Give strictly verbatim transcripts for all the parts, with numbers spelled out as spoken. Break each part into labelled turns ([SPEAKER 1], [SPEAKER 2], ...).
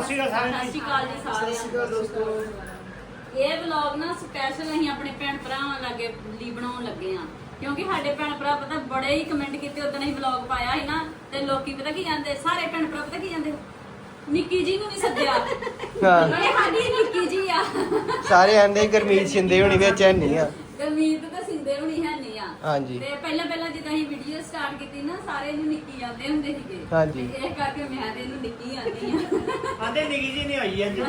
[SPEAKER 1] ਸ਼੍ਰੀ ਅਕਾਲ
[SPEAKER 2] ਸਤਿ ਸ਼੍ਰੀ ਅਕਾਲ ਜੀ ਸਾਰਿਆਂ ਨੂੰ।
[SPEAKER 3] ਸਤਿ ਸ਼੍ਰੀ ਅਕਾਲ ਦੋਸਤੋ।
[SPEAKER 2] ਇਹ ਵਲੌਗ ਨਾ ਸਪੈਸ਼ਲ ਅਸੀਂ ਆਪਣੇ ਭੈਣ ਭਰਾਵਾਂ ਲਾਗੇ ਲਈ ਬਣਾਉਣ ਲੱਗੇ ਆ ਕਿਉਂਕਿ ਸਾਡੇ ਭੈਣ ਭਰਾ ਪਤਾ ਬੜੇ ਹੀ ਕਮੈਂਟ ਕੀਤੇ ਉਦੋਂ ਅਸੀਂ ਵਲੌਗ ਪਾਇਆ ਸੀ ਨਾ ਤੇ ਲੋਕੀ ਪਤਾ ਕੀ ਕਹਿੰਦੇ ਸਾਰੇ ਭੈਣ ਭਰਾ ਪਤਾ ਕੀ ਕਹਿੰਦੇ ਨਿੱਕੀ ਜੀ ਨੂੰ ਨਹੀਂ ਸੱਦਿਆ
[SPEAKER 4] ਹਾਂ
[SPEAKER 2] ਇਹ ਸਾਡੀ ਨਿੱਕੀ ਜੀ ਆ
[SPEAKER 4] ਸਾਰੇ ਆਂਦੇ ਗਰਮੀਤ ਸ਼ਿੰਦੇ ਹੋਣੀ ਵਿੱਚ ਹੈ ਨਹੀਂ ਆ
[SPEAKER 2] ਗਰਮੀਤ ਤਾਂ ਸਿੰਦੇ ਹੋਣੀ ਹੈ ਨਹੀਂ ਆ
[SPEAKER 4] ਹਾਂਜੀ
[SPEAKER 2] ਤੇ ਪਹਿਲਾਂ ਪਹਿਲਾਂ ਜਦੋਂ ਅਸੀਂ ਵੀਡੀਓ ਸਟਾਰਟ ਕੀਤੀ ਨਾ ਸਾਰੇ ਇਹਨੂੰ ਨਿੱਕੀ ਆਂਦੇ ਹੁੰਦੇ ਸੀਗੇ
[SPEAKER 4] ਹਾਂਜੀ।
[SPEAKER 2] ਤੇ ਇਹ ਕਰਕੇ ਮੈਂ ਤੇ ਇਹਨੂੰ ਨਿੱਕੀ ਆਂਦੀ ਆ
[SPEAKER 1] ਆਂਦੇ ਨਿੱਕੀ ਜੀ ਨਹੀਂ ਆਈ ਅੱਜ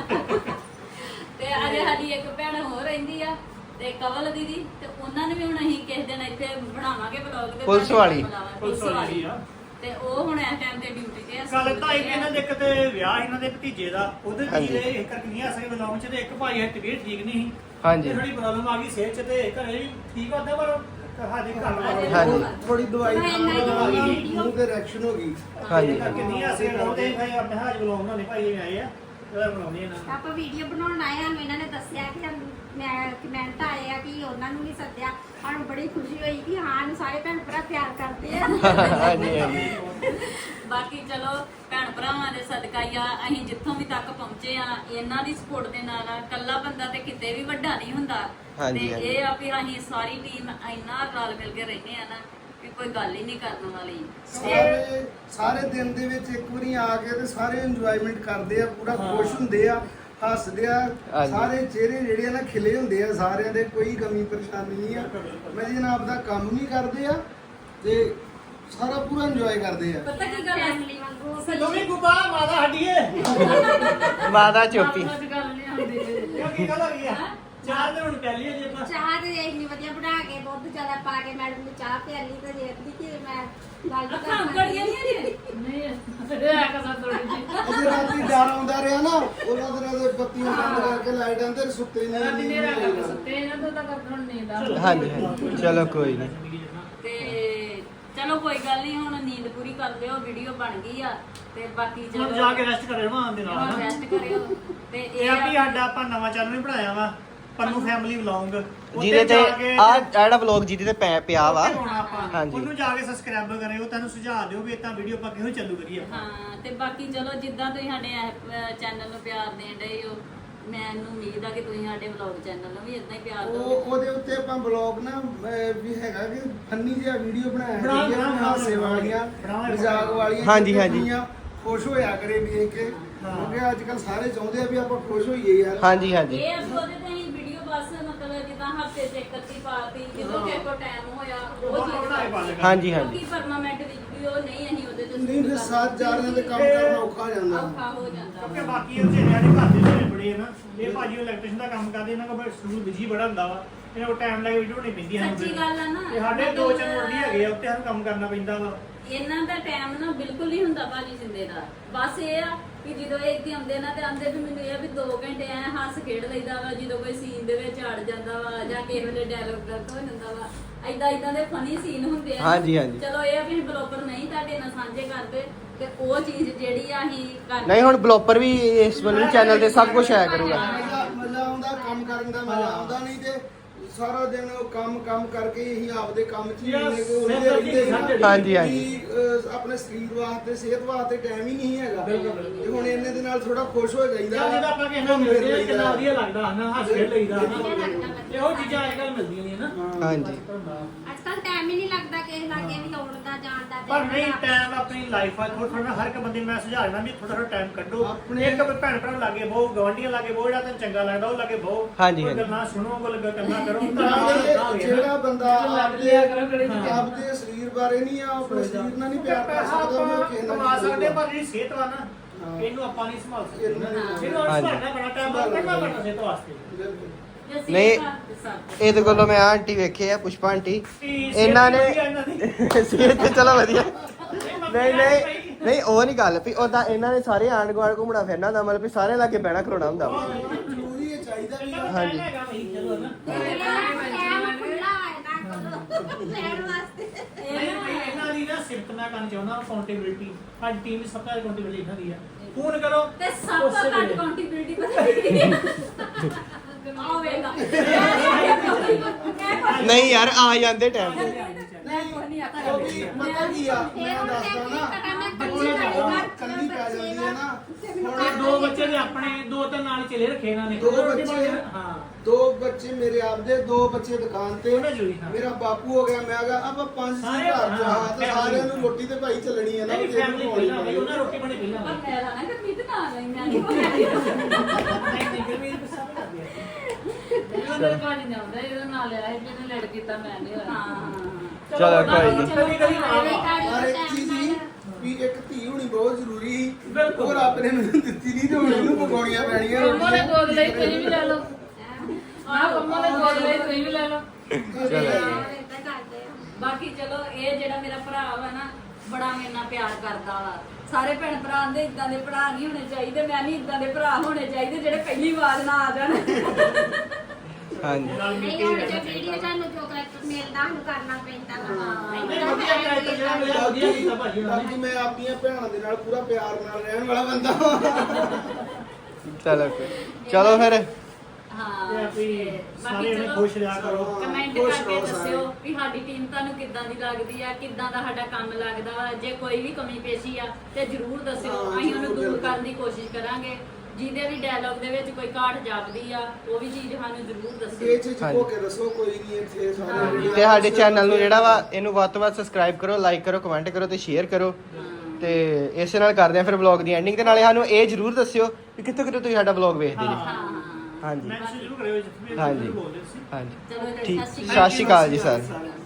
[SPEAKER 2] ਤੇ ਅਜੇ ਸਾਡੀ ਇੱਕ ਭੈਣ ਹੋਰ ਰਹਿੰਦੀ ਆ ਤੇ ਕਵਲ ਦੀਦੀ ਤੇ ਉਹਨਾਂ ਨੇ ਵੀ ਹੁਣ ਅਸੀਂ ਕਿਸੇ ਦਿਨ ਇੱਥੇ ਬਣਾਵਾਂਗੇ ਵਲੌਗ ਤੇ
[SPEAKER 4] ਪੁਲਿਸ ਵਾਲੀ।
[SPEAKER 1] ਪੁਲਿਸ ਵਾਲੀ ਆ
[SPEAKER 2] ਤੇ ਉਹ ਹੁਣ ਇਸ ਟਾਈਮ ਤੇ ਡਿਊਟੀ ਤੇ ਆ
[SPEAKER 1] ਕੱਲ ਤਾਂ ਇਹਨਾਂ ਦੇ ਇੱਕ ਤੇ ਵਿਆਹ ਇਹਨਾਂ ਦੇ ਭਤੀਜੇ ਦਾ ਉਹਦੇ
[SPEAKER 4] ਹਾਂਜੀ।
[SPEAKER 1] ਜੀ ਦੇ ਇੱਕ ਕਰਕੇ ਨਹੀਂ ਆ ਸਕੇ ਬੁਲਾਉਣ ਚ ਤੇ ਇੱਕ ਭਾਈ ਹੈ ਤਬੀਅਤ ਠੀਕ ਨਹੀਂ ਸੀ
[SPEAKER 4] ਹਾਂਜੀ।
[SPEAKER 1] ਥੋੜੀ ਪ੍ਰੋਬਲਮ ਆ ਗਈ ਸਿਹਤ ਚ ਤੇ ਘਰੇ ਵੀ ਠੀਕ ਹੁੰਦਾ ਪਰ ਸਾਡੇ ਘਰ ਵਾਲੇ
[SPEAKER 4] ਹਾਂਜੀ।
[SPEAKER 3] ਥੋੜੀ ਦਵਾਈ
[SPEAKER 2] ਮੈਂ ਇੰਨਾ ਹੀ
[SPEAKER 3] ਨਾਲ
[SPEAKER 2] ਵੀਡੀਓ-
[SPEAKER 3] ਮੂੰਹ ਤੇ ਰਿਐਕਸ਼ਨ ਹੋ ਗਈ।
[SPEAKER 4] ਹਾਂਜੀ।
[SPEAKER 1] ਕਰਕੇ ਨਹੀਂ ਆ ਸਕੇ ਉਹਦੇ ਭਾਈ ਆਪਣੇ ਹਾਜ ਬੁਲਾਉਣ ਨੇ ਭਾਈ ਆਏ ਆ ਉਹਦਾ ਬੁਲਾਉਂਦੇ ਇਹਨਾਂ
[SPEAKER 5] ਆਪਾਂ ਵੀਡੀਓ ਬਣਾਉਣ ਆਏ ਹਨ ਇਹਨਾਂ ਨੇ ਦੱਸਿਆ ਕਿ ਸਾਨੂੰ ਮੈਂ ਕਮੈਂਟ ਆਏ ਆ ਕਿ ਉਹਨਾਂ ਨੂੰ ਨਹੀਂ ਸੱਦਿਆ ਸਾਨੂੰ ਬੜੀ ਖੁਸ਼ੀ ਹੋਈ ਕਿ ਹਾਂ ਨੂੰ ਸਾਰੇ ਭੈਣ ਭਰਾ ਪਿਆਰ ਕਰਦੇ ਆ
[SPEAKER 4] ਹਾਂਜੀ ਹਾਂਜੀ
[SPEAKER 2] ਬਾਕੀ ਚਲੋ ਭੈਣ ਭਰਾਵਾਂ ਦੇ ਸਦਕਾ ਹੀ ਆ ਅਸੀਂ ਜਿੱਥੋਂ ਵੀ ਤੱਕ ਪਹੁੰਚੇ ਆ ਇਹਨਾਂ ਦੀ ਸਪੋਰਟ ਦੇ ਨਾਲ ਆ ਕੱਲਾ ਬੰਦਾ ਤੇ ਕਿਤੇ ਵੀ ਵੱਡਾ ਨਹੀਂ ਹੁੰਦਾ
[SPEAKER 4] ਹਾਂਜੀ,
[SPEAKER 2] ਤੇ
[SPEAKER 4] ਹਾਂਜੀ।
[SPEAKER 2] ਇਹ ਆ ਵੀ ਅਸੀਂ ਸਾਰੀ ਟੀਮ ਇੰਨਾ ਰਲ ਮਿਲ ਕੇ ਰਹਿੰਦੇ ਆ ਨਾ ਕਿ ਕੋਈ ਗੱਲ ਹੀ ਨਹੀਂ ਕਰਨ ਵਾਲੀ
[SPEAKER 3] ਸਾਰੇ ਸਾਰੇ ਦਿਨ ਦੇ ਵਿੱਚ ਇੱਕ ਵਾਰੀ ਆ ਕੇ ਤੇ ਸਾਰੇ ਇੰਜੋਇਮੈਂਟ ਕਰਦੇ ਆ, ਪੂਰਾ ਖੁਸ਼ ਹੁੰਦੇ ਆ, ਹੱਸਦੇ ਆ।
[SPEAKER 4] ਹਾਂਜੀ।
[SPEAKER 3] ਸਾਰੇ ਚਿਹਰੇ ਜਿਹੜੇ ਆ ਨਾ ਖਿਲੇ ਹੁੰਦੇ ਆ ਸਾਰਿਆਂ ਦੇ, ਕੋਈ ਕਮੀ ਪਰੇਸ਼ਾਨੀ ਨਹੀਂ ਆ। ਮੈਂ ਜੀ ਜਨਾਬ ਦਾ ਕੰਮ ਵੀ ਕਰਦੇ ਆ ਤੇ ਸਾਰਾ ਪੂਰਾ ਇੰਜੋਏ ਕਰਦੇ ਆ।
[SPEAKER 2] ਪਤਾ ਕੀ ਗੱਲ ਆ
[SPEAKER 5] ਫੈਮਿਲੀ ਵਾਂਗੂ
[SPEAKER 1] ਦੋਵੇਂ ਗੁੱਬਾ ਮਾਦਾ ਹੱਡੀਏ
[SPEAKER 4] ਮਾਦਾ ਚੋਪੀ
[SPEAKER 1] ਕਿਉਂ ਕੀ ਗੱਲ ਹੋ ਗਈ ਆ ਚਾਰ ਦਿਨ ਹੁਣ ਪਹਿਲੀ ਹੈ ਜੀ ਆਪਾਂ
[SPEAKER 5] ਚਾਹ ਤੇ ਇੰਨੀ ਵਧੀਆ ਬਣਾ ਕੇ ਦੁੱਧ ਜ਼ਿਆਦਾ ਪਾ ਕੇ ਮੈਡਮ ਨੂੰ ਚਾਹ ਪਿਆਲੀ ਤੇ ਦੇਖਦੀ ਕਿ ਮੈਂ ਗੱਲ ਵੀ
[SPEAKER 2] ਅੱਖਾਂ
[SPEAKER 5] ਕਰ
[SPEAKER 2] ਗੜੀਆਂ
[SPEAKER 5] ਸਕਦੀ
[SPEAKER 2] ਨਹੀਂ ਅਜੇ
[SPEAKER 3] ਉਹਦੇ ਰਾਤੀ ਡਰ ਆਉਂਦਾ ਰਿਹਾ ਨਾ, ਉਹਨਾਂ ਦਿਨਾਂ ਦੇ ਬੱਤੀਆਂ ਬੰਦ ਕਰਕੇ ਲਾਈਟ ਆਂਦੇ ਸੁੱਤੇ ਨਹੀਂ
[SPEAKER 4] ਹਾਂਜੀ ਹਾਂਜੀ ਚਲੋ ਕੋਈ ਨਹੀਂ
[SPEAKER 2] ਤੇ ਚਲੋ ਕੋਈ ਗੱਲ ਨਹੀਂ ਹੁਣ ਨੀਂਦ ਪੂਰੀ ਕਰ ਲਿਓ ਵੀਡੀਓ ਬਣ ਗਈ ਆ ਤੇ ਬਾਕੀ
[SPEAKER 1] ਹੁਣ
[SPEAKER 2] ਚਲੋ
[SPEAKER 1] ਜਾ ਕੇ ਰੈਸਟ ਕਰੇ ਮਾਂ ਦੇ ਨਾਲ ਨਾ।
[SPEAKER 2] ਰੈਸਟ ਕਰਿਓ ਤੇ
[SPEAKER 1] ਇਹ ਆ ਵੀ ਸਾਡਾ ਆਪਾਂ ਨਵਾਂ ਚੈਨਲ ਵੀ ਬਣਾਇਆ ਵਾ ਪੰਨੂ ਫੈਮਿਲੀ ਵਲੌਗ
[SPEAKER 4] ਜਿਹਦੇ ਤੇ ਆ ਜਿਹੜਾ ਵਲੌਗ ਜਿਹਦੇ ਤੇ ਪੈ ਪਿਆ ਵਾ ਹਾਂਜੀ।
[SPEAKER 1] ਉਹਨੂੰ ਜਾ ਕੇ ਸਬਸਕ੍ਰਾਈਬ ਕਰਿਓ ਤੁਹਾਨੂੰ ਸੁਝਾਅ ਦਿਓ ਵੀ ਇਦਾਂ ਵੀਡੀਓ ਆਪਾਂ ਕਿਹੋ ਚੱਲੂ ਕਰੀਏ ਆਪਾਂ
[SPEAKER 2] ਹਾਂ ਤੇ ਬਾਕੀ ਚਲੋ ਜਿੱਦਾਂ ਤੁਸੀਂ ਸਾਡੇ ਚੈਨਲ ਨੂੰ ਪਿਆਰ ਦੇਣ ਡਏ ਹੋ ਮੈਨੂੰ ਉਮੀਦ ਆ ਕਿ ਤੁਸੀਂ ਸਾਡੇ ਵਲੌਗ ਚੈਨਲ ਨੂੰ ਵੀ ਇਦਾਂ ਹੀ ਪਿਆਰ
[SPEAKER 3] ਉਹ
[SPEAKER 2] ਦਿਓਗੇ
[SPEAKER 3] ਉਹਦੇ ਉੱਤੇ ਆਪਾਂ ਬਲੌਗ ਨਾ ਅਹ, ਵੀ ਹੈਗਾ ਕਿ ਫੰਨੀ ਜਿਹਾ ਵੀਡੀਓ ਬਣਾਇਆ
[SPEAKER 1] ਬਣਾ-
[SPEAKER 3] ਜਿਹੜੀਆਂ
[SPEAKER 1] ਬਣਾ-
[SPEAKER 3] ਹਾਸੇ ਵਾਲੀਆਂ
[SPEAKER 1] ਬਣਾ-
[SPEAKER 3] ਮਜ਼ਾਕ ਵਾਲੀਆਂ
[SPEAKER 4] ਹਾਂਜੀ, ਹਾਂਜੀ।
[SPEAKER 3] ਜਿਹੜੀਆਂ ਖੁਸ਼ ਹੋਇਆ ਕਰੇ ਵੇਖ ਕੇ,
[SPEAKER 1] ਹਾਂ।
[SPEAKER 3] ਕਿਉਂਕਿ ਅੱਜ ਕੱਲ ਸਾਰੇ ਚਾਹੁੰਦੇ ਆ ਵੀ ਆਪਾਂ ਖੁਸ਼ ਹੋਈਏ ਯਾਰ।
[SPEAKER 4] ਹਾਂਜੀ ਹਾਂਜੀ
[SPEAKER 2] ਇਹ ਅਸੀਂ ਉਹਦੇ ਤੇ ਅਸੀਂ ਵੀਡੀਓ ਬਸ ਮਤਲਬ ਜਿੱਦਾਂ ਹਫਤੇ ਚ ਇੱਕ ਅੱਧੀ ਪਾਤੀ ਜਦੋਂ ਕਿਸੇ ਕੋ ਟਾਈਮ ਹੋਇਆ ਉਹ ਚੀਜ਼
[SPEAKER 1] ਬਣਾਏ ਪਾ ਲਗਾ
[SPEAKER 4] ਹਾਂਜੀ ਹਾਂਜੀ
[SPEAKER 2] ਕਿਉਂਕਿ ਪਰਮਾਨੈਂਟ ਵੀਡੀਓ ਨਹੀਂ ਅਸੀਂ ਉਹਦੇ ਤੇ
[SPEAKER 3] ਨਹੀਂ ਫਿਰ ਸਾਥ ਜਾ ਰਹੇ ਤੇ ਕੰਮ ਕਰਨਾ ਔਖਾ ਹੋ ਜਾਂਦਾ।
[SPEAKER 2] ਔਖਾ ਹੋ ਜਾਂਦਾ
[SPEAKER 1] ਕਿਉਂਕਿ ਬਾਕੀ ਉਹ ਜਿਹੜੇ ਸਾਡੇ ਘਰ ਦੇ ਜਿਹੜੇ ਬੜੇ ਆ ਨਾ ਇਹ ਭਾਜੀ ਉਹ ਇਲੈਕਟ੍ਰੀਸ਼ਨ ਦਾ ਕੰਮ ਕਰਦੇ ਇਹਨਾਂ ਕੋਲ ਸ਼ਡਿਊਲ ਬਿਜੀ ਬੜਾ ਹੁੰਦਾ ਵਾ ਇਹਨਾਂ ਕੋਲ ਟਾਈਮ ਲੱਗੇ ਵੀਡੀਓ ਨਹੀਂ ਪੈਂਦੀ ਸਾਨੂੰ
[SPEAKER 2] ਸੱਚੀ ਗੱਲ ਆ ਨਾ
[SPEAKER 1] ਤੇ ਸਾਡੇ ਦੋ ਚੈਨਲ ਵਰਦੀ ਹੈਗੇ ਆ ਉੱਤੇ ਸਾਨੂੰ ਕੰਮ ਕਰਨਾ ਪੈਂਦਾ ਵਾ
[SPEAKER 2] ਇਹਨਾਂ ਦਾ ਟਾਈਮ ਨਾ ਬਿਲਕੁਲ ਨਹੀਂ ਹੁੰਦਾ ਭਾਜੀ ਸਿੰਦੇ ਦਾ ਬਸ ਇਹ ਆ ਕਿ ਜਦੋਂ ਇਹ ਇੱਥੇ ਆਉਂਦੇ ਨਾ ਤੇ ਆਂਦੇ ਵੀ ਮੈਨੂੰ ਇਹ ਆ ਵੀ ਦੋ ਘੰਟੇ ਐ ਹੱਸ ਖੇਡ ਲਈਦਾ ਵਾ ਜਦੋਂ ਕੋਈ ਸੀਨ ਦੇ ਵਿੱਚ ਅੜ ਜਾਂਦਾ ਵਾ ਜਾਂ ਕਿਸੇ ਵੇਲੇ ਡਾਇਲੌਗ ਗਲਤ ਹੋ ਜਾਂਦਾ ਵਾ ਐਦਾਂ ਐਦਾਂ ਦੇ ਫਨੀ ਸੀਨ ਹੁੰਦੇ ਆ
[SPEAKER 4] ਹਾਂਜੀ, ਹਾਂਜੀ।
[SPEAKER 2] ਚਲੋ ਇਹ ਆ ਵੀ ਬਲੌਗਰ ਨਹੀਂ ਤੁਹਾਡੇ ਨਾਲ ਸਾਂਝੇ ਕਰਦੇ ਤੇ ਉਹ ਚੀਜ਼ ਜਿਹੜੀ ਆ ਅਸੀਂ ਕਰਦੇ
[SPEAKER 4] ਨਹੀਂ ਹੁਣ ਬਲੌਪਰ ਵੀ ਇਸ ਵਾਲੇ ਚੈਨਲ ਤੇ ਸਭ ਕੁਝ ਆਇਆ ਕਰੂਗਾ
[SPEAKER 3] ਮਜ਼ਾ ਮਜ਼ਾ ਆਉਂਦਾ ਕੰਮ ਕਰਨ ਦਾ, ਮਜ਼ਾ ਆਉਂਦਾ ਨਹੀਂ ਤੇ ਸਾਰਾ ਦਿਨ ਉਹ ਕੰਮ ਕੰਮ ਕਰਕੇ ਹੀ ਆਪਦੇ ਕੰਮ 'ਚ ਹੀ
[SPEAKER 1] Yes,
[SPEAKER 3] ਇੰਨੇ ਕੁ ਉਲਝੇ
[SPEAKER 1] ਸਿਰ ਦਰਦ
[SPEAKER 3] ਰਹਿੰਦੇ
[SPEAKER 1] ਦੀ
[SPEAKER 3] ਸੀ
[SPEAKER 4] ਹਾਂਜੀ, ਹਾਂਜੀ।
[SPEAKER 3] ਕਿ, ਅਹ, ਆਪਣੇ ਸਰੀਰ ਵਾਸਤੇ ਸਿਹਤ ਵਾਸਤੇ ਟਾਈਮ ਹੀ ਨਹੀਂ ਹੈਗਾ।
[SPEAKER 1] ਬਿਲਕੁਲ, ਬਿਲਕੁੁਲ।
[SPEAKER 3] ਤੇ ਹੁਣ ਇਹਨੇ ਦੇ ਨਾਲ ਥੋੜਾ ਖੁਸ਼ ਹੋ ਜਾਈਦਾ।
[SPEAKER 1] ਜਾਂ ਜਦੋਂ ਆਪਾਂ ਕਿਸੇ ਨਾਲ
[SPEAKER 3] ਘੁੰਮ ਫਿਰ
[SPEAKER 1] ਮਿਲਦੇ ਆ
[SPEAKER 3] ਲਈਦਾ।
[SPEAKER 1] ਕਿੰਨਾ ਵਧੀਆ ਲੱਗਦਾ ਹਨਾ ਹੱਸ ਖੇਡ ਲਈਦਾ ਹਨਾ
[SPEAKER 5] ਵਧੀਆ ਲੱਗਦਾ ਬੱਚੇ
[SPEAKER 1] ਇਹੋ ਚੀਜ਼ਾਂ ਅੱਜ ਕੱਲ੍ਹ ਮਿਲਦੀਆਂ ਨਹੀਂ ਨਾ
[SPEAKER 3] ਹਾਂ।
[SPEAKER 4] ਹਾਂਜੀ
[SPEAKER 5] ਅੱਜ ਕੱਲ ਟਾਈਮ ਹੀ ਨਹੀਂ ਲੱਗਦਾ ਕਿਸੇ ਲਾਗੇ ਵੀ ਆਉਣ ਦਾ ਜਾਣ ਦਾ
[SPEAKER 1] ਪਰ ਨਹੀਂ
[SPEAKER 5] ਦੇਖਣ ਦਾ।
[SPEAKER 1] ਟਾਈਮ ਆਪਣੀ ਲਾਈਫ ਆ ਥੋੜਾ ਥੋੜਾ ਹਰ ਇੱਕ ਬੰਦੇ ਨੂੰ ਮੈਂ ਸੁਝਾਅ ਦਿੰਦਾ ਵੀ ਥੋੜਾ ਥੋੜਾ ਟਾਈਮ ਕੱਢੋ
[SPEAKER 3] ਆਪਣੇ-
[SPEAKER 1] ਇੱਕ ਭੈਣ ਭਰਾ ਲਾਗੇ ਬਹੁ ਗਵਾਂਢੀਆਂ ਲਾਗੇ ਬਹੁ ਜਿਹੜਾ ਤੈਨੂੰ ਚੰਗਾ ਲੱਗਦਾ ਉਹ ਲਾਗੇ ਬਹੁ
[SPEAKER 4] ਹਾਂਜੀ,
[SPEAKER 1] ਕੋਈ
[SPEAKER 4] ਹਾਂਜੀ।
[SPEAKER 1] ਗੱਲਾਂ ਸੁਣੋ ਕੋਈ ਗੱਲਾਂ ਕਰਨਾ ਕਰੋ
[SPEAKER 3] ਨਾਲੇ ਜਿਹੜਾ ਬੰਦਾ ਆਪਦੇ
[SPEAKER 1] ਹਾਂ।
[SPEAKER 3] ਆਪਦੇ ਸਰੀਰ ਬਾਰੇ ਨਹੀਂ ਆ, ਆਪਣੇ ਸਰੀਰ ਨਾਲ ਨਹੀਂ ਪਿਆਰ ਕਰ
[SPEAKER 1] ਪੈਸਾ
[SPEAKER 3] ਸਕਦਾ, ਉਹ
[SPEAKER 1] ਆਪਾਂ
[SPEAKER 3] ਕਿਸੇ ਨਾਲ
[SPEAKER 1] ਕਮਾ
[SPEAKER 3] ਨਹੀਂ
[SPEAKER 1] ਸਕਦੇ
[SPEAKER 3] ਕਰੂਗਾ।
[SPEAKER 1] ਪਰ ਜਿਹੜੀ ਸਿਹਤ ਵਾ ਨਾ
[SPEAKER 3] ਹਾਂ।
[SPEAKER 1] ਇਹਨੂੰ ਆਪਾਂ ਨਹੀਂ ਸੰਭਾਲ ਸਕਦੇ
[SPEAKER 3] ਇਹਨੂੰ ਨਹੀਂ
[SPEAKER 1] ਨਾ।
[SPEAKER 3] ਸੰਭਾਲ
[SPEAKER 1] ਇਹਨੂੰ
[SPEAKER 4] ਹਾਂਜੀ।
[SPEAKER 1] ਸੰਭਾਲਣਾ ਬੜਾ ਟਾਈਮ ਲੱਗਦਾ ਬੜਾ ਸਿਹਤ ਵਾਸਤੇ
[SPEAKER 3] ਬਿਲਕੁਲ।
[SPEAKER 2] ਤੇ ਅਸੀਂ
[SPEAKER 4] ਨਹੀਂ।
[SPEAKER 2] ਘਰ ਸਭ
[SPEAKER 4] ਇਹਦੇ ਕੋਲੋਂ ਮੈਂ ਆਹ ਆਂਟੀ ਵੇਖੇ ਆ ਪੁਸ਼ਪਾ ਆਂਟੀ
[SPEAKER 1] ਕੀ ਸਿਹਤ
[SPEAKER 4] ਇਹਨਾਂ ਨੇ
[SPEAKER 1] ਵਧੀਆ ਇਹਨਾਂ ਦੀ।
[SPEAKER 4] ਸਿਹਤ ਤੇ ਚਲੋ ਵਧੀਆ ਨਹੀਂ ਨਹੀਂ ਨਹੀਂ ਉਹ ਨਹੀਂ ਗੱਲ ਵੀ ਉਹਦਾ ਇਹਨਾਂ ਨੇ ਸਾਰੇ ਆਂਢ ਗੁਆਂਢ ਘੁੰਮਣਾ ਫਿਰਨਾ ਹੁੰਦਾ ਮਤਲਬ ਵੀ ਸਾਰੇ ਲਾਗੇ ਬਹਿਣਾ ਖਲੋਣਾ ਹੁੰਦਾ ਵਾ।
[SPEAKER 3] ਜ਼ਰੂਰੀ ਹੈ, ਚਾਹੀਦਾ ਵੀ ਆ।
[SPEAKER 4] ਹਾਂਜੀ।
[SPEAKER 1] ਹੈਗਾ ਬਈ ਚਲੋ ਨਾ
[SPEAKER 5] ਟਾਈਮ ਖੁੱਲਾ ਹੈ ਨਾ ਲੈਣ ਵਾਸਤੇ
[SPEAKER 1] ਨਹੀਂ, ਨਹੀਂ, ਇਹਨਾਂ ਦੀ ਨਾ ਸਿਫਤ ਮੈਂ ਕਰਨਾ ਚਾਹੁੰਦਾ ਅਕਾਊਂਟੇਬਿਲਿਟੀ ਸਾਡੀ ਟੀਮ ਦੀ ਸਭ ਤੋਂ ਅਕਾਊਂਟੇਬਿਲਿਟੀ ਇਹਨਾਂ ਦੀ ਆ ਫੋਨ ਕਰੋ
[SPEAKER 2] ਤੇ ਸਭ ਤੋਂ
[SPEAKER 1] ਉਸੇ
[SPEAKER 2] ਘੱਟ
[SPEAKER 1] ਵੇਲੇ।
[SPEAKER 2] ਕੰਟਰੀਬਿਊਟੀ ਪਤਾ ਕੀ ਹੈ ਆਹ ਵੇਲਾ
[SPEAKER 4] ਨਹੀਂ ਯਾਰ ਆ ਜਾਂਦੇ ਟਾਈਮ ਤੇ
[SPEAKER 2] ਮੈਂ ਕੋਈ ਨਹੀਂ ਆਖਦਾ
[SPEAKER 3] ਕਿਉਂਕਿ ਪਤਾ ਕੀ ਆ,
[SPEAKER 5] ਇਹ
[SPEAKER 3] ਮੈਂ
[SPEAKER 5] ਹੁਣ
[SPEAKER 3] ਦੱਸਦਾ
[SPEAKER 5] ਟੈਕਨੀਕ
[SPEAKER 3] ਨਾ,
[SPEAKER 5] ਪਤਾ ਮੈਂ
[SPEAKER 3] ਹੁਣ
[SPEAKER 5] ਬੱਚੀ
[SPEAKER 3] ਉਹ
[SPEAKER 5] ਨਾਲ
[SPEAKER 3] ਕੱਲੀ ਪੈ ਜਾਂਦੀ ਹੈ ਨਾ, ਹੁਣ
[SPEAKER 1] ਦੋ ਬੱਚੇ ਦੇ ਆਪਣੇ ਦੋ ਤਿੰਨ ਨਾਲ ਚਲੇ ਰੱਖੇ ਇਹਨਾਂ ਨੇ
[SPEAKER 3] ਦੋ
[SPEAKER 1] ਰੋਟੀ
[SPEAKER 3] ਬੱਚੇ?
[SPEAKER 1] ਪਾਣੀ- ਹਾਂ
[SPEAKER 3] ਦੋ ਬੱਚੇ ਮੇਰੇ ਆਪਦੇ, ਦੋ ਬੱਚੇ ਦੁਕਾਨ ਤੇ,
[SPEAKER 1] ਉਹਨਾਂ ਜ਼ਰੂਰੀ, ਹਾਂ।
[SPEAKER 3] ਮੇਰਾ ਬਾਪੂ ਹੋ ਗਿਆ, ਮੈਂ ਗਿਆ, ਆਪਾਂ ਪੰਜ ਸੀ
[SPEAKER 1] ਸਾਰੇ,
[SPEAKER 3] ਘਰ ਚ,
[SPEAKER 1] ਹਾਂ,
[SPEAKER 3] ਹਾਂ ਤੇ
[SPEAKER 1] family।
[SPEAKER 3] ਸਾਰਿਆਂ ਨੂੰ ਰੋਟੀ ਤੇ ਭਾਈ ਚੱਲਣੀ ਹੈ ਨਾ,
[SPEAKER 1] ਨਹੀਂ
[SPEAKER 3] ਉਹਦੇ
[SPEAKER 1] ਫੈਮਿਲੀ
[SPEAKER 3] ਬਣਾਉਣੀ
[SPEAKER 1] ਪਹਿਲਾਂ ਬਈ ਉਹਨਾਂ ਰੋਟੀ ਪਾਣੀ ਪਹਿਲਾਂ
[SPEAKER 2] ਪਰ
[SPEAKER 1] ਬਈ।
[SPEAKER 2] ਮੇਰਾ ਨਾ ਕਿ ਤੇ ਨਾ ਨਹੀਂ ਮੈਂ ਨਹੀਂ ਬਣਾਈ
[SPEAKER 1] ਨਹੀਂ ਨਹੀਂ ਫਿਰ ਮੇਰੀ ਗੁੱਸਾ ਤਾਂ ਕਰਦੀ ਹੈ
[SPEAKER 2] ਉਹਦੇ ਭਾਜੀ ਨੇ ਆਉਂਦਾ ਇਹਦੇ ਨਾਲ ਆਇਆ ਜਿਹਨੇ ਲੜ ਕੀਤਾ ਮੈਂ ਨਹੀਂ ਹੋਇਆ ਹਾਂ
[SPEAKER 4] ਚਲੋ ਕੋਈ ਨੀ।
[SPEAKER 1] ਕਦੀ ਕਦੀ
[SPEAKER 3] ਪਰ ਇੱਕ ਚੀਜ਼ ਸੀ ਵੀ ਇੱਕ ਧੀ ਹੋਣੀ ਬਹੁਤ ਜ਼ਰੂਰੀ ਸੀ,
[SPEAKER 1] ਬਿਲਕੁਲ।
[SPEAKER 3] ਉਹ ਰੱਬ ਨੇ ਮੈਨੂੰ ਦਿੱਤੀ ਨਹੀਂ ਤੇ ਹੁਣ ਉਹਨੂੰ ਪਕਾਉਣੀਆਂ ਪੈਣੀਆਂ
[SPEAKER 2] ਕੰਮੋਂ ਨੇ ਗੋਦ ਲਈ ਤੁਸੀਂ ਵੀ ਲੈ ਲਓ ਆਹ ਕੰਮੋਂ ਨੇ ਗੋਦ ਲਈ ਤੁਸੀਂ ਵੀ ਲੈ ਲਓ ਬਾਕੀ ਚਲੋ ਇਹ ਜਿਹੜਾ ਮੇਰਾ ਭਰਾ ਵਾ ਨਾ ਬੜਾ ਮੇਰੇ ਨਾਲ ਪਿਆਰ ਕਰਦਾ ਵਾ ਸਾਰੇ ਭੈਣ ਭਰਾ ਦੇ ਇਦਾਂ ਦੇ ਭਰਾ ਨਹੀਂ ਹੋਣੇ ਚਾਹੀਦੇ ਮੈਂ ਨਹੀਂ ਇਦਾਂ ਦੇ ਭਰਾ ਹੋਣੇ ਚਾਹੀਦੇ ਜਿਹੜੇ ਪਹਿਲੀ ਵਾਰ ਨਾ ਆ ਜਾਣ
[SPEAKER 4] ਹਾਂਜੀ
[SPEAKER 1] ਨਾਲ ਮਿਲ
[SPEAKER 5] ਨਹੀਂ
[SPEAKER 1] ਕੇ
[SPEAKER 5] ਹੁਣ
[SPEAKER 1] ਰਹਿਣਾ
[SPEAKER 5] ਜੇ
[SPEAKER 1] ਚਾਹੀਦਾ।
[SPEAKER 5] ਵੀਡੀਓ ਸਾਨੂੰ ਜੋ ਕਰੈਕਟਰ ਮਿਲਦਾ ਸਾਨੂੰ ਕਰਨਾ ਪੈਂਦਾ ਵਾ
[SPEAKER 2] ਹਾਂ।
[SPEAKER 1] ਨਹੀਂ ਵਧੀਆ character ਜਿਹੜਾ ਮਿਲਿਆ ਵਧੀਆ ਕੀਤਾ ਭਾਜੀ ਉਹਨਾਂ
[SPEAKER 3] ਬਾਕੀ
[SPEAKER 1] ਨੇ
[SPEAKER 3] ਮੈਂ ਆਪਣੀਆਂ ਭੈਣਾਂ ਦੇ ਨਾਲ ਪੂਰਾ ਪਿਆਰ ਨਾਲ ਰਹਿਣ ਵਾਲਾ ਬੰਦਾ ਹਾਂ।
[SPEAKER 4] ਚਲੋ ਕੋਈ ਚਲੋ ਫਿਰ
[SPEAKER 2] ਹਾਂ
[SPEAKER 1] ਤੇ ਆਪੀ
[SPEAKER 2] ਤੇ
[SPEAKER 1] ਸਾਰੇ
[SPEAKER 2] ਬਾਕੀ
[SPEAKER 1] ਜਣੇ
[SPEAKER 2] ਚਲੋ
[SPEAKER 1] ਖੁਸ਼ ਰਿਹਾ ਕਰੋ
[SPEAKER 2] ਕਮੈਂਟ
[SPEAKER 3] ਖੁਸ਼
[SPEAKER 2] ਕਰਕੇ
[SPEAKER 3] ਰਹੋ ਸਾਰੇ।
[SPEAKER 2] ਦੱਸਿਓ ਵੀ ਸਾਡੀ ਟੀਮ ਤੁਹਾਨੂੰ ਕਿੱਦਾਂ ਦੀ ਲੱਗਦੀ ਆ ਕਿੱਦਾਂ ਦਾ ਸਾਡਾ ਕੰਮ ਲੱਗਦਾ ਵਾ ਜੇ ਕੋਈ ਵੀ ਕਮੀ ਪੇਸ਼ੀ ਆ ਤੇ ਜਰੂਰ ਦੱਸਿਓ
[SPEAKER 3] ਹਾਂ,
[SPEAKER 2] ਅਸੀਂ ਉਹਨੂੰ
[SPEAKER 3] ਜ਼ਰੂਰ
[SPEAKER 2] ਦੂਰ
[SPEAKER 3] ਬਿਲਕੁਲ।
[SPEAKER 2] ਕਰਨ ਦੀ ਕੋਸ਼ਿਸ਼ ਕਰਾਂਗੇ ਜਿਹਦੇ ਵੀ ਡਾਇਲੌਗ ਦੇ ਵਿੱਚ ਕੋਈ ਘਾਟ ਜਾਪਦੀ ਆ ਉਹ ਵੀ ਚੀਜ਼ ਸਾਨੂੰ ਜਰੂਰ
[SPEAKER 3] ਇਹ
[SPEAKER 2] ਦੱਸਿਓ
[SPEAKER 3] ਚੀਜ਼
[SPEAKER 4] ਹਾਂਜੀ।
[SPEAKER 3] ਹੋ ਕੇ ਦੱਸੋ, ਕੋਈ ਨਹੀਂ ਇੱਥੇ ਸਾਰੇ
[SPEAKER 4] ਤੇ ਸਾਡੇ ਚੈਨਲ ਨੂੰ ਜਿਹੜਾ ਵਾ ਇਹਨੂੰ ਵੱਧ ਤੋਂ ਵੱਧ ਸਬਸਕ੍ਰਾਈਬ ਕਰੋ, ਲਾਈਕ ਕਰੋ, ਕਮੈਂਟ ਕਰੋ ਤੇ ਸ਼ੇਅਰ ਕਰੋ। ਤੇ ਇਸੇ ਨਾਲ ਕਰਦੇ ਆ ਫਿਰ ਵਲੌਗ ਦੀ ਐਂਡਿੰਗ ਤੇ ਨਾਲੇ ਸਾਨੂੰ ਇਹ ਜਰੂਰ ਦੱਸਿਓ ਕਿ ਕਿੱਥੋਂ ਕਿੱਥੋਂ ਤੁਸੀਂ ਸਾਡਾ ਵਲੌਗ ਵੇਖਦੇ ਜੀ।
[SPEAKER 1] ਹਾਂ
[SPEAKER 4] ਹਾਂਜੀ
[SPEAKER 1] ਮੈਸੇਜ ਜ਼ਰੂਰ ਕਰਿਓ ਜਿੱਥੇ ਵੀ
[SPEAKER 4] ਹਾਂਜੀ।
[SPEAKER 1] ਜ਼ਰੂਰ ਬੋਲਦੇ ਸੀ
[SPEAKER 4] ਹਾਂਜੀ
[SPEAKER 2] ਚਲੋ
[SPEAKER 4] ਠੀਕ
[SPEAKER 2] ਸਤਿ ਸ਼੍ਰੀ
[SPEAKER 4] ਸਤਿ ਸ਼੍ਰੀ ਅਕਾਲ ਜੀ ਸਰ
[SPEAKER 1] ਸਾਰਿਆਂ ਨੂੰ।